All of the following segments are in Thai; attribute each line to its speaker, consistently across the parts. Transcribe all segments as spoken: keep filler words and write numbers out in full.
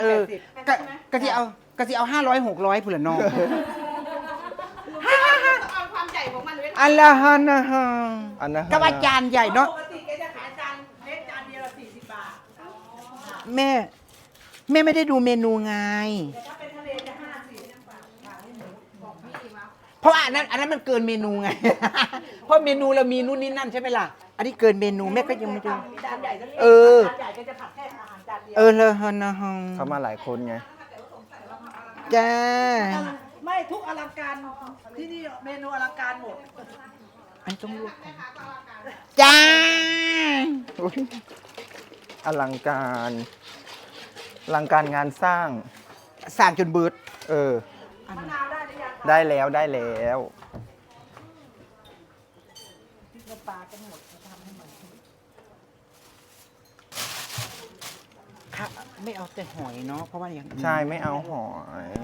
Speaker 1: เออ ก็ก็ที่เอาก็ที่เอาห้าร้อยหกร้อยผู้ละน้อง
Speaker 2: เอาความใหญ่ของมันเว้ย
Speaker 1: อัลลอฮ์นะฮะ
Speaker 3: อันนั้น
Speaker 1: ก็ว่าจานใหญ่เนาะ
Speaker 2: ปกติแกจะขายจานเล็กจานเดียวละสี่สิบบาท
Speaker 1: แม่ แม่ไม่ได้ดูเมนูไง
Speaker 2: แต่ถ้าเป็นทะเลจะห้าสิบยังบาทบาทให้หนูบอกพี่มา
Speaker 1: เพราะว่าอันนั้นอันนั้นมันเกินเมนูไง เพราะเมนูเรามีนู่นนี่นั่นใช่ไหมล่ะ อันนี้เกินเมนูแม่ก็ยังไม่ดู
Speaker 2: จานใหญ่ก็
Speaker 1: เออ
Speaker 2: จานใหญ่ก็จะผัดแค่อาหารจานเดียว
Speaker 1: เออเลยฮะนะฮะ
Speaker 3: เขามาหลายคนไง
Speaker 1: จ้า
Speaker 2: ไม่ทุกอลังการที่นี่เมนูอลังการหมด
Speaker 1: อันต้องลวกก่อนจ้า
Speaker 3: อุ๊ยอลังการอลังการงานสร้าง
Speaker 1: สั่งจนเบิด
Speaker 3: เออ
Speaker 2: มะนาวได้หรือยัง
Speaker 3: ได้แล้วได้แล้ว
Speaker 2: น้ำปลากันหมดทำให้หมด
Speaker 1: ค่ะไม่เอาแต่หอยเนาะเพราะว่าอย่างอื่น
Speaker 3: ใช่ไม่เอาหอย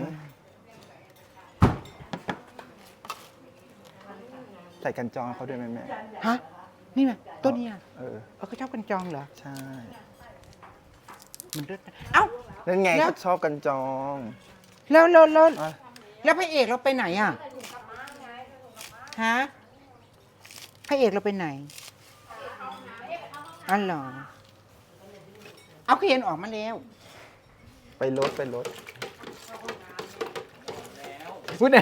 Speaker 3: ใส่กันจองเขาด้วยไหมแม่
Speaker 1: ฮะนี่ไงตัวเนี้ย
Speaker 3: เออ
Speaker 1: เออเขาชอบกันจองเหรอ
Speaker 3: ใช่
Speaker 1: มันเลิศนะเอ้า
Speaker 3: นั่นไง
Speaker 1: แล้ว
Speaker 3: เขาชอบกันจอง
Speaker 1: แล้วแล้วแล้ว
Speaker 3: อ่ะ
Speaker 1: แล้วพระเอกเราไปไหนอ่ะฮะพระเอกเราไปไหนอ๋อเหรอเอาเคยนออกมาแล้ว
Speaker 3: ไปรถไปรถ
Speaker 1: พูดนะ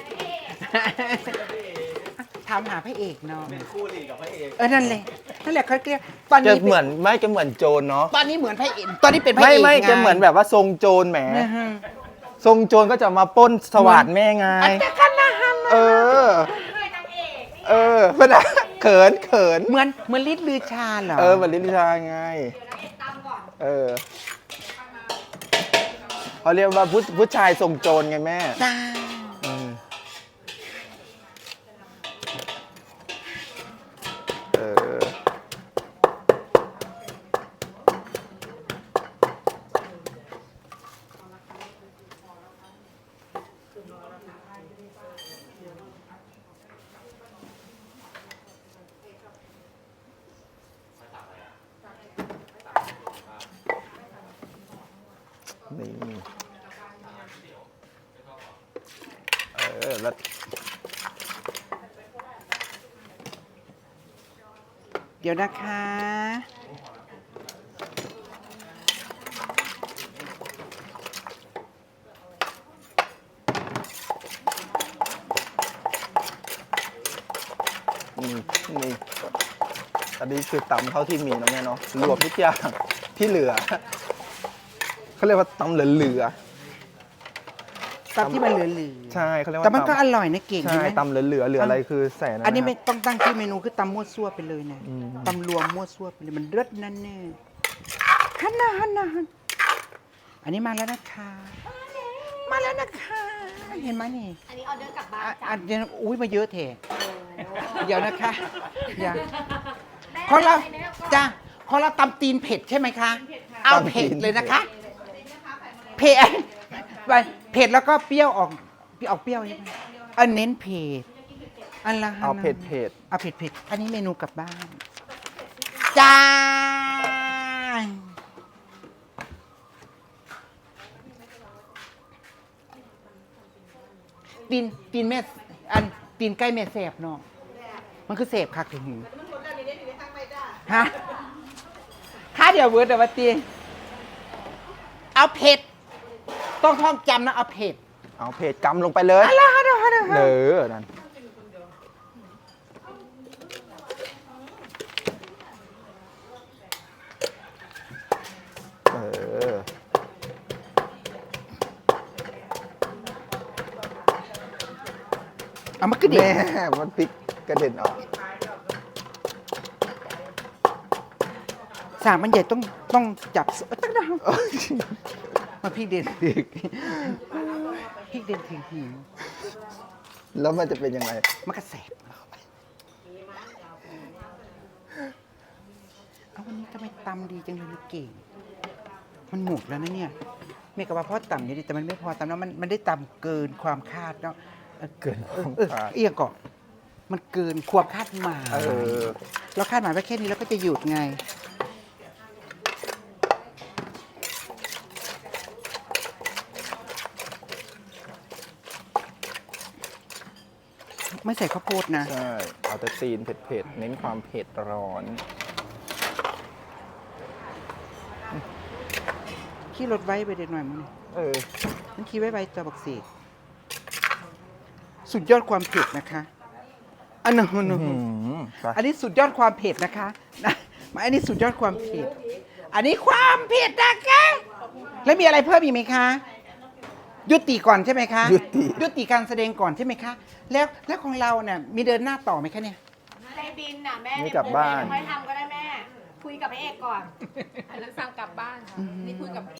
Speaker 1: ถามหาพระเอกเนาะเป็นคู่หลีกับพระเอกเออนั่นแหละนั่นแหละเขาเรียกตอน
Speaker 3: จะ
Speaker 1: นี้
Speaker 3: เหมือนไม่จะเหมือนโจรเนาะ
Speaker 1: ตอนนี้เหมือนพระเอกตอนนี้เป็นพระ
Speaker 3: ไม่
Speaker 1: เอก
Speaker 3: ไม่
Speaker 1: ง
Speaker 3: จะเหมือนแบบว่าทรงโจรแหม
Speaker 1: นะฮะ
Speaker 3: ทรงโจรก็จะมาปล้นสวัสดแม่ไง
Speaker 1: อันแต่กันนะฮะ
Speaker 3: เออ เออเป็นอะเขินเขิน
Speaker 1: เหมือนเหมือนลิศลือชาเหรอ
Speaker 3: เออเหมือนลิลิชาไง เออเขาเรียกว่าผู้ผู้ชายทรงโจรไงแม่
Speaker 1: จ้า
Speaker 3: อืมเออ นี่ เออ แล้ว
Speaker 1: เดี๋ยวนะคะ
Speaker 3: นี่นี่อันนี้คือตำเท่าที่มีนะแม่เนาะรวมทุกอย่างที่เหลือ เขาเรียกว่าตำเหลือ
Speaker 1: ตับที่มันเหลือ
Speaker 3: ๆใช่เขาเรียก
Speaker 1: ๆ
Speaker 3: ว่า
Speaker 1: แต่มันก็
Speaker 3: ตำ
Speaker 1: อร่อยนะเก่ง
Speaker 3: ใช่
Speaker 1: ใช่ไหม
Speaker 3: ตำเหลือๆเหลืออะไรคือใส่นะ
Speaker 1: อันนี้ไม่
Speaker 3: ครับ
Speaker 1: ต้องตั้งชื่อเมนูคือตำมั่วซั่วไปเลยนะ
Speaker 3: อืม
Speaker 1: ตำรวมมั่วซั่วไปเลยมันเลิศนั่นแน่ฮันนาฮันนาฮันอันนี้มาแล้วนะคะ มาแล้วนะคะ เห็นไหมนี่
Speaker 4: อันนี้ออเดอร์กลับบ้าน
Speaker 1: อ่ะ
Speaker 4: จ้ะ
Speaker 1: อันเดียวอุ้ยมาเยอะเถอะเดี๋ยวนะคะเดี๋ยวของเราจ้าของเราตำตีนเผ็ดใช่ไหมคะ เอาเผ็ดเลยนะคะ เผ็ดไปเผ็ดแล้วก็เปรี้ยวออกออกเปรี้ยวใช่ไหมอันเน้นเผ็ดอันละ
Speaker 3: เอาเผ็ดเผ็ด
Speaker 1: เอาเผ็ดเผ็ดอันนี้เมนูกลับบ้านจ้าตีนตีนแม่อันตีนใกล้แม่แสบเนาะมันคือแสบคักถึงหูฮะค่าเดียวเวิร์ดแต่ว่าตีเอาเผ็ดต้องท่องจำนะเอาเผ็ด
Speaker 3: เอาเผ็ดกำลงไปเลย
Speaker 1: อะไรฮะเดี๋ยวฮะเดี๋ยว
Speaker 3: เอ
Speaker 1: ฮะ
Speaker 3: อนั่นเออ
Speaker 1: เอามาขึ้นดิ
Speaker 3: แม่มันพลิกกระเด็นออก
Speaker 1: สามมันใหญ่ต้องต้องจับตั้งดาวมาพี่เด่นถึงพี่เด่นถึงหิว
Speaker 3: แล้วมันจะเป็นยังไง
Speaker 1: มันกระแสบเอาวันนี้ทำไมตำดีจังเลยลูกเก่งมันหมดแล้วนะเนี่ยเมกะว่าพ่อต่ำอยู่ดีแต่มันไม่พอตำแล้วมันมันได้ต่ำเกินความคาดเนาะ
Speaker 3: เกินความ
Speaker 1: เออ
Speaker 3: คาด
Speaker 1: เอียงก่อนมันเกินความคาดหมาย
Speaker 3: เออ
Speaker 1: เราคาดหมายไว้แค่นี้แล้วก็จะหยุดไงไม่ใส่ข้าวโพดนะ
Speaker 3: ใช่ เอาแต่ตีนเผ็ดๆ เน้นความเผ็ดร้อน
Speaker 1: ขี้รถไว้ไปเด็ดหน่อยมึง
Speaker 3: เออ
Speaker 1: มันขี้ไว้ไว้ตะบักเสกสุดยอดความเผ็ดนะคะ อันนั้นมัน
Speaker 3: อื้อหือไป
Speaker 1: อันนี้สุดยอดความเผ็ดนะคะนะมาอันนี้สุดยอดความเผ็ด อันนี้ความเผ็ดนะคะ แล้วมีอะไรเพิ่มอีกไหมคะ ยุติก่อนใช่ไหมคะ
Speaker 3: ยุติ
Speaker 1: ยุติการแสดงก่อนใช่ไหมคะ แล้วแล้วของเราเนี่ยมีเดินหน้าต่อไหมคะเนี่ย
Speaker 4: ในบินน่ะแม่
Speaker 3: ไม่กลับบ้าน
Speaker 4: ค่อยทำก็ได้แม่ คุยกับพระเอกก่อน
Speaker 5: อันนั้นสั่งกลับบ้านค่ะ นี่คุยกับ